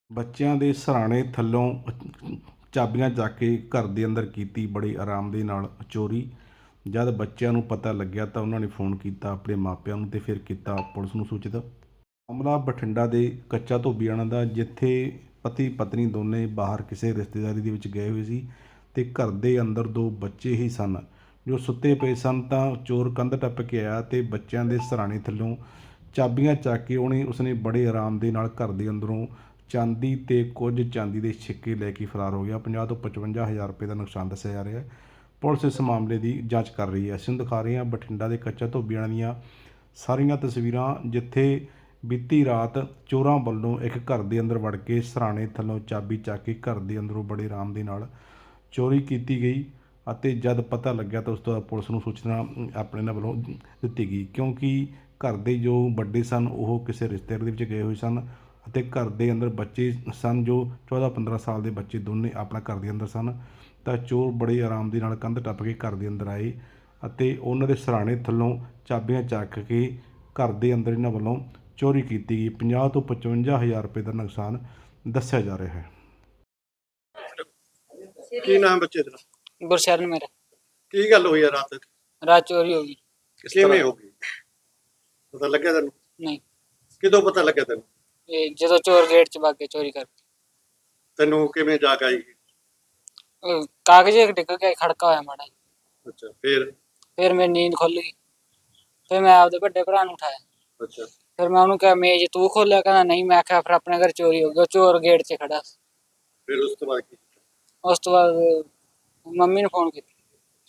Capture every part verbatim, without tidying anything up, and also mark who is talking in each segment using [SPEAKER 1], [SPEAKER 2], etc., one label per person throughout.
[SPEAKER 1] ਬੱਚਿਆਂ ਦੇ ਸਿਰਹਾਣੇ ਥੱਲੋਂ ਚਾਬੀਆਂ ਚੱਕ ਕੇ ਘਰ ਦੇ ਅੰਦਰ ਕੀਤੀ ਬੜੇ ਆਰਾਮ ਦੇ ਨਾਲ ਚੋਰੀ। ਜਦ ਬੱਚਿਆਂ ਨੂੰ ਪਤਾ ਲੱਗਿਆ ਤਾਂ ਉਹਨਾਂ ਨੇ ਫੋਨ ਕੀਤਾ ਆਪਣੇ ਮਾਪਿਆਂ ਨੂੰ ਅਤੇ ਫਿਰ ਕੀਤਾ ਪੁਲਿਸ ਨੂੰ ਸੂਚਿਤ। ਮਾਮਲਾ ਬਠਿੰਡਾ ਦੇ ਕੱਚਾ ਧੋਬੀਆਣਾ ਦਾ, ਜਿੱਥੇ ਪਤੀ ਪਤਨੀ ਦੋਨੇ ਬਾਹਰ ਕਿਸੇ ਰਿਸ਼ਤੇਦਾਰੀ ਦੇ ਵਿੱਚ ਗਏ ਹੋਏ ਸੀ ਅਤੇ ਘਰ ਦੇ ਅੰਦਰ ਦੋ ਬੱਚੇ ਹੀ ਸਨ ਜੋ ਸੁੱਤੇ ਪਏ ਸਨ। ਤਾਂ ਚੋਰ ਕੰਧ ਟੱਪ ਕੇ ਆਇਆ ਅਤੇ ਬੱਚਿਆਂ ਦੇ ਸਿਰਹਾਣੇ ਥੱਲੋਂ ਚਾਬੀਆਂ ਚੱਕ ਕੇ ਉਹਨੇ ਉਸਨੇ ਬੜੇ ਆਰਾਮ ਦੇ ਨਾਲ ਘਰ ਦੇ ਅੰਦਰੋਂ ਚਾਂਦੀ ਅਤੇ ਕੁਝ ਚਾਂਦੀ ਦੇ ਸਿੱਕੇ ਲੈ ਕੇ ਫਰਾਰ ਹੋ ਗਿਆ। ਪੰਜਾਹ ਤੋਂ ਪਚਵੰਜਾ ਹਜ਼ਾਰ ਰੁਪਏ ਦਾ ਨੁਕਸਾਨ ਦੱਸਿਆ ਜਾ ਰਿਹਾ ਹੈ। ਪੁਲਿਸ ਇਸ ਮਾਮਲੇ ਦੀ ਜਾਂਚ ਕਰ ਰਹੀ ਹੈ। ਅਸੀਂ ਤੁਹਾਨੂੰ ਦਿਖਾ ਰਹੇ ਹਾਂ ਬਠਿੰਡਾ ਦੇ ਕੱਚਾ ਧੋਬੀਆਣਾ ਦੀਆਂ ਸਾਰੀਆਂ ਤਸਵੀਰਾਂ, ਜਿੱਥੇ ਬੀਤੀ ਰਾਤ ਚੋਰਾਂ ਵੱਲੋਂ ਇੱਕ ਘਰ ਦੇ ਅੰਦਰ ਵੜ ਕੇ ਸਿਰਹਾਣੇ ਥੱਲੋਂ ਚਾਬੀ ਚੱਕ ਕੇ ਘਰ ਦੇ ਅੰਦਰੋਂ ਬੜੇ ਆਰਾਮ ਦੇ ਨਾਲ ਚੋਰੀ ਕੀਤੀ ਗਈ ਅਤੇ ਜਦ ਪਤਾ ਲੱਗਿਆ ਤਾਂ ਉਸ ਤੋਂ ਬਾਅਦ ਪੁਲਿਸ ਨੂੰ ਸੂਚਨਾ ਆਪਣੇ ਇਹਨਾਂ ਵੱਲੋਂ ਦਿੱਤੀ ਗਈ, ਕਿਉਂਕਿ ਘਰ ਦੇ ਜੋ ਵੱਡੇ ਸਨ ਉਹ ਕਿਸੇ ਰਿਸ਼ਤੇਦਾਰ ਦੇ ਵਿੱਚ ਗਏ ਹੋਏ ਸਨ ਅਤੇ ਘਰ ਦੇ ਅੰਦਰ ਬੱਚੇ ਸਨ ਜੋ ਚੌਦਾਂ ਪੰਦਰਾਂ ਸਾਲ ਦੇ ਬੱਚੇ ਦੋਨੇ ਆਪਣਾ ਘਰ ਦੇ ਅੰਦਰ ਸਨ। ਤਾਂ ਚੋਰ ਬੜੇ ਆਰਾਮ ਦੇ ਨਾਲ ਕੰਧ ਟੱਪ ਕੇ ਘਰ ਦੇ ਅੰਦਰ ਆਏ ਅਤੇ ਉਹਨਾਂ ਦੇ ਸਿਰਹਾਣੇ ਥੱਲੋਂ ਚਾਬੀਆਂ ਚੱਕ ਕੇ ਘਰ ਦੇ ਅੰਦਰ ਇਹਨਾਂ ਵੱਲੋਂ ਚੋਰੀ ਕੀਤੀ ਗਈ। ਪੰਜਾਹ ਤੋਂ ਪਚਵੰਜਾ ਹਜ਼ਾਰ ਰੁਪਏ ਦਾ ਨੁਕਸਾਨ ਦੱਸਿਆ ਜਾ ਰਿਹਾ ਹੈ।
[SPEAKER 2] ਕੀ ਨਾਮ ਬੱਚੇ ਦਾ?
[SPEAKER 3] गुरशरण मेरा।
[SPEAKER 2] ਕੀ ਗੱਲ ਹੋਈ ਆ ਰਾਤ?
[SPEAKER 3] रात चोरी होगी।
[SPEAKER 2] ਕਿਵੇਂ ਹੋ ਗਈ? ਪਤਾ ਲੱਗਿਆ ਤੈਨੂੰ?
[SPEAKER 3] नहीं,
[SPEAKER 2] ਕਿਦੋਂ ਪਤਾ ਲੱਗਿਆ ਤੈਨੂੰ?
[SPEAKER 3] ये जो चोर गेट च भाग के चोरी कर।
[SPEAKER 2] ਤੈਨੂੰ ਕਿਵੇਂ ਜਾਗ ਆਈ?
[SPEAKER 3] ओ, कागज एक डिग गया, खड़का होया माड़ा।
[SPEAKER 2] ਅੱਛਾ, ਫਿਰ?
[SPEAKER 3] फिर मेरी नींद खुल गई। फिर मैं आपदे बड़े भरा नूं उठाया।
[SPEAKER 2] ਅੱਛਾ,
[SPEAKER 3] फिर मैं उन्होंने कहा मेज तू खोलिया? कहना नहीं। मैं आख्या फिर अपने घर चोरी हो गई। चोर गेट च खड़ा।
[SPEAKER 2] ਫਿਰ ਉਸ ਤੋਂ ਬਾਅਦ ਕੀ?
[SPEAKER 3] उस तो बाद मम्मी ने फोन किया।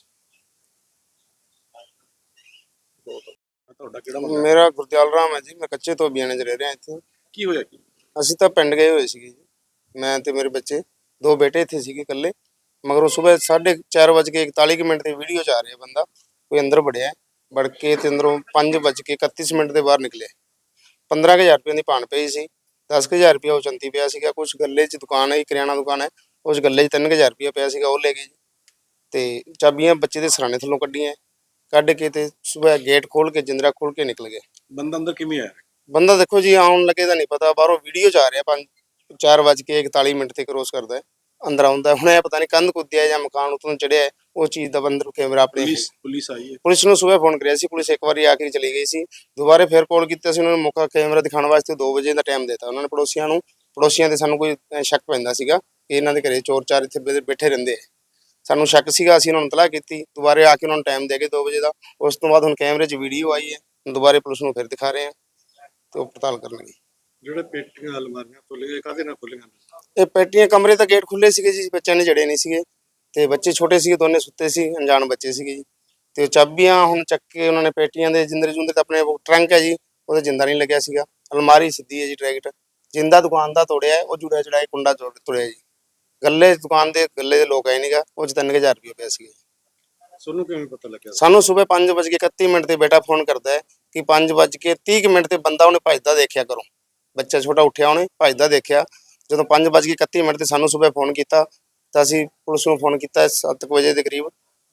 [SPEAKER 2] ਤੁਹਾਡਾ ਕਿਹੜਾ ਮੁੰਡਾ?
[SPEAKER 4] ਮੇਰਾ ਗੁਰਦਿਆਲ ਰਾਮ ਹੈ ਜੀ। ਮੈਂ ਕੱਚੇ ਧੋਬੀਆਣੇ 'ਚ ਰਹਿ ਰਿਹਾ ਇੱਥੇ।
[SPEAKER 2] ਕੀ ਹੋਇਆ ਕੀ?
[SPEAKER 4] ਅਸੀਂ ਤਾਂ ਪਿੰਡ ਗਏ ਹੋਏ ਸੀਗੇ ਜੀ, ਮੈਂ ਤੇ ਮੇਰੇ ਬੱਚੇ, ਦੋ ਬੇਟੇ ਇੱਥੇ ਸੀਗੇ ਇਕੱਲੇ। ਮਗਰੋਂ ਸਵੇਰ ਸਾਢੇ ਚਾਰ ਵੱਜ ਕੇ ਇਕਤਾਲੀ ਮਿੰਟ ਤੇ ਵੀਡੀਓ 'ਚ ਆ ਰਿਹਾ ਬੰਦਾ, ਕੋਈ ਅੰਦਰ ਵੜਿਆ, ਵੜ ਕੇ ਤੇ ਅੰਦਰੋਂ ਪੰਜ ਵੱਜ ਕੇ ਇਕੱਤੀ ਮਿੰਟ ਦੇ ਬਾਹਰ ਨਿਕਲਿਆ। ਪੰਦਰਾਂ ਕੁ ਹਜ਼ਾਰ ਰੁਪਏ ਦੀ ਭਾਣ ਪਈ ਸੀ, ਦਸ ਕੁ ਹਜ਼ਾਰ ਰੁਪਇਆ ਉਹ ਚੰਤੀ ਪਿਆ ਸੀਗਾ। ਕੁਛ ਗੱਲੇ 'ਚ ਦੁਕਾਨ ਹੈ, ਕਰਿਆਨਾ ਦੁਕਾਨ ਹੈ, ਉਸ ਗੱਲੇ 'ਚ ਤਿੰਨ ਕੁ ਹਜ਼ਾਰ ਰੁਪਇਆ ਪਿਆ ਸੀਗਾ, ਉਹ ਲੈ ਗਏ ਜੀ। ਤੇ ਚਾਬੀਆਂ ਬੱਚੇ ਦੇ ਸਿਰਹਾਣੇ ਥੱਲੋਂ ਕੱਢੀਆਂ, ਕੱਢ ਕੇ ਤੇ ਸਵੇਰ ਗੇਟ ਖੋਲ ਕੇ ਜਿੰਦਰਾ ਖੋਲ ਕੇ ਨਿਕਲ ਗਏ।
[SPEAKER 2] ਬੰਦਾ ਅੰਦਰ ਕਿਵੇਂ ਆਇਆ?
[SPEAKER 4] ਬੰਦਾ ਦੇਖੋ ਜੀ ਆਉਣ ਲੱਗੇ ਤਾਂ ਨਹੀਂ ਪਤਾ, ਬਾਹਰੋਂ ਵੀਡੀਓ 'ਚ ਆ ਰਿਹਾ ਪੰਜ ਚਾਰ ਵੱਜ ਕੇ ਇਕਤਾਲੀ ਮਿੰਟ ਤੇ ਕ੍ਰੋਸ ਕਰਦਾ ਹੈ, ਅੰਦਰ ਆਉਂਦਾ। ਹੁਣ ਇਹ ਪਤਾ ਨਹੀਂ ਕੰਧ ਕੁੱਦਿਆ ਜਾਂ ਮਕਾਨ ਉੱਤੋਂ ਚੜਿਆ, ਉਹ ਚੀਜ਼ ਦਾ ਬੰਦਰ ਕੈਮਰਾ ਆਪਣੇ।
[SPEAKER 2] ਪੁਲਿਸ ਪੁਲਿਸ ਆਈ ਹੈ?
[SPEAKER 4] ਪੁਲਿਸ ਨੂੰ ਸਵੇਰ ਫੋਨ ਕਰਿਆ ਸੀ, ਪੁਲਿਸ ਇੱਕ ਵਾਰੀ ਆ ਕੇ ਚਲੀ ਗਈ ਸੀ। ਦੁਬਾਰੇ ਫਿਰ ਕਾਲ ਕੀਤਾ ਸੀ ਉਹਨਾਂ ਨੂੰ, ਮੌਕਾ ਕੈਮਰਾ ਦਿਖਾਉਣ ਵਾਸਤੇ ਦੋ ਵਜੇ ਦਾ ਟਾਈਮ ਦਿੱਤਾ ਉਹਨਾਂ ਨੇ ਪੜੋਸੀਆਂ ਨੂੰ। ਪੜੋਸੀਆਂ ਦੇ ਸਾਨੂੰ ਕੋਈ ਸ਼ੱਕ ਪੈਂਦਾ ਸੀਗਾ ਕਿ ਇਹਨਾਂ ਦੇ ਘਰੇ ਚੋਰ ਚਾਰ ਇੱਥੇ ਬੈਠੇ ਰਹਿੰਦੇ ਆ, ਸਾਨੂੰ ਸ਼ੱਕ ਸੀਗਾ। ਅਸੀਂ ਉਹਨਾਂ ਨੂੰ ਇਤਲਾਹ ਕੀਤੀ, ਦੁਬਾਰੇ ਆ ਕੇ ਉਹਨਾਂ ਨੂੰ ਟਾਈਮ ਦੇ ਕੇ ਦੋ ਵਜੇ ਦਾ। ਉਸ ਤੋਂ ਬਾਅਦ ਹੁਣ ਕੈਮਰੇ 'ਚ ਵੀਡੀਓ ਆਈ ਹੈ, ਦੁਬਾਰੇ ਪੁਲਿਸ ਨੂੰ ਫਿਰ ਦਿਖਾ ਰਹੇ ਆ ਤੇ ਉਹ ਪੜਤਾਲ ਕਰਨਗੇ।
[SPEAKER 2] ਜਿਹੜੇ ਪੇਟੀਆਂ ਅਲਮਾਰੀਆਂ ਖੁੱਲ ਗਏ, ਕਾਹਦੇ ਨਾਲ ਖੁੱਲੀਆਂ?
[SPEAKER 4] ਇਹ ਪੇਟੀਆਂ ਕਮਰੇ ਤਾਂ ਗੇਟ ਖੁੱਲੇ ਸੀਗੇ ਜੀ, ਬੱਚਿਆਂ ਨੇ ਜੜੇ ਨਹੀਂ ਸੀਗੇ ਤੇ ਬੱਚੇ ਛੋਟੇ ਸੀਗੇ, ਦੋਨੇ ਸੁੱਤੇ ਸੀ, ਅਣਜਾਣ ਬੱਚੇ ਸੀਗੇ ਜੀ। ਤੇ ਉਹ ਚਾਬੀਆਂ ਹੁਣ ਚੱਕ ਕੇ ਉਹਨਾਂ ਨੇ ਪੇਟੀਆਂ ਦੇ ਜਿੰਦਰੇ ਜੁੰਦਰੇ ਤਾਂ ਆਪਣੇ ਟਰੰਕ ਹੈ ਜੀ, ਉਹਦੇ ਜਿੰਦਾ ਨਹੀਂ ਲੱਗਿਆ ਸੀਗਾ। ਅਲਮਾਰੀ ਸਿੱਧੀ ਹੈ ਜੀ, ਡਾਇਰੈਕਟ ਜਿੰਦਾ ਦੁਕਾਨ ਦਾ ਤੋੜਿਆ, ਉਹ ਜੁੜਿਆ ਜੜਾਇਆ ਕੁੰਡਾ ਤੋੜਿਆ ਜੀ। ਗੱਲੇ ਦੁਕਾਨ ਦੇ ਗੱਲੇ ਦੇ ਲੋਕ ਆਏ ਨੀਗਾ, ਉਹ 'ਚ ਤਿੰਨ ਕੁ ਹਜ਼ਾਰ ਰੁਪਇਆ ਪਿਆ ਸੀਗਾ।
[SPEAKER 2] ਤੁਹਾਨੂੰ ਕਿਵੇਂ ਪਤਾ ਲੱਗਿਆ?
[SPEAKER 4] ਸਾਨੂੰ ਸਵੇਰ ਪੰਜ ਵੱਜ ਕੇ ਇਕੱਤੀ ਮਿੰਟ ਤੇ ਬੇਟਾ ਫੋਨ ਕਰਦਾ ਹੈ ਕਿ ਪੰਜ ਵੱਜ ਕੇ ਤੀਹ ਮਿੰਟ ਤੇ ਬੰਦਾ ਉਹਨੇ ਭੱਜਦਾ ਦੇਖਿਆ ਕਰੋ, ਬੱਚਾ ਛੋਟਾ ਉੱਠਿਆ, ਉਹਨੇ ਭੱਜਦਾ ਦੇਖਿਆ। ਜਦੋਂ ਪੰਜ ਵੱਜ ਕੇ ਇਕੱਤੀ ਮਿੰਟ ਤੇ ਸਾਨੂੰ ਸਵੇਰ ਫੋਨ ਕੀਤਾ ਤਾਂ ਅਸੀਂ ਪੁਲਿਸ ਨੂੰ ਫੋਨ ਕੀਤਾ ਸੱਤ ਕੁ ਵਜੇ ਦੇ ਕਰੀਬ।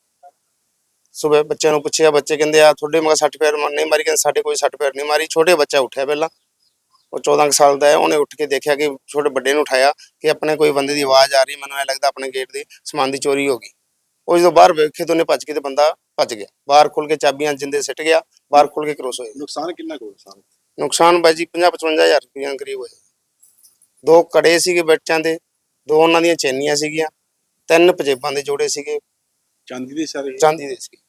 [SPEAKER 4] ਸਵੇਰ ਬੱਚਿਆਂ ਨੂੰ ਪੁੱਛਿਆ, ਬੱਚੇ ਕਹਿੰਦੇ ਆ ਤੁਹਾਡੇ ਮਗਰ ਸੱਟ ਫੇਰ ਨਹੀਂ ਮਾਰੀ? ਕਹਿੰਦੇ ਸਾਡੇ ਕੋਈ ਸੱਟ ਫੇਰ ਨਹੀਂ ਮਾਰੀ। ਛੋਟੇ ਬੱਚਾ ਉੱਠਿਆ ਪਹਿਲਾਂ, ਉਹ ਚੌਦਾਂ ਕੁ ਸਾਲ ਦਾ ਹੈ, ਉਹਨੇ ਉੱਠ ਕੇ ਦੇਖਿਆ ਕਿ ਛੋਟੇ ਵੱਡੇ ਨੂੰ ਉਠਾਇਆ ਕਿ ਆਪਣੇ ਕੋਈ ਬੰਦੇ ਦੀ ਆਵਾਜ਼ ਆ ਰਹੀ, ਮੈਨੂੰ ਐਂ ਲੱਗਦਾ ਆਪਣੇ ਗੇਟ ਦੇ ਸਮਾਨ ਦੀ ਚੋਰੀ ਹੋ ਗਈ। ਉਹ ਜਦੋਂ ਬਾਹਰ ਵੇਖੇ ਤਾਂ ਉਹਨੇ ਭੱਜ ਕੇ ਤੇ ਬੰਦਾ ਭੱਜ ਗਿਆ, ਬਾਹਰ ਖੁੱਲ ਕੇ ਚਾਬੀਆਂ ਜਿੰਦੇ ਸਿੱਟ ਗਿਆ, ਬਾਹਰ ਖੁੱਲ ਕੇ ਕ੍ਰੋਸ ਹੋਏ।
[SPEAKER 2] ਨੁਕਸਾਨ ਕਿੰਨਾ ਕੁ ਹੋਇਆ?
[SPEAKER 4] ਨੁਕਸਾਨ ਬਾਈ ਜੀ ਪੰਜਾਹ ਪਚਵੰਜਾ ਹਜ਼ਾਰ ਰੁਪਈਆ ਕਰੀਬ ਹੋਇਆ। ਦੋ ਕੜੇ ਸੀਗੇ ਬੱਚਿਆਂ ਦੇ, ਦੋ ਉਹਨਾਂ ਦੀਆਂ ਚੈਨੀਆਂ ਸੀਗੀਆਂ, ਤਿੰਨ ਪੰਜੇਬਾਂ ਦੇ ਜੋੜੇ ਸੀਗੇ,
[SPEAKER 2] ਚਾਂਦੀ ਦੇ ਸਾਰੇ?
[SPEAKER 4] ਚਾਂਦੀ ਦੇ ਸੀ।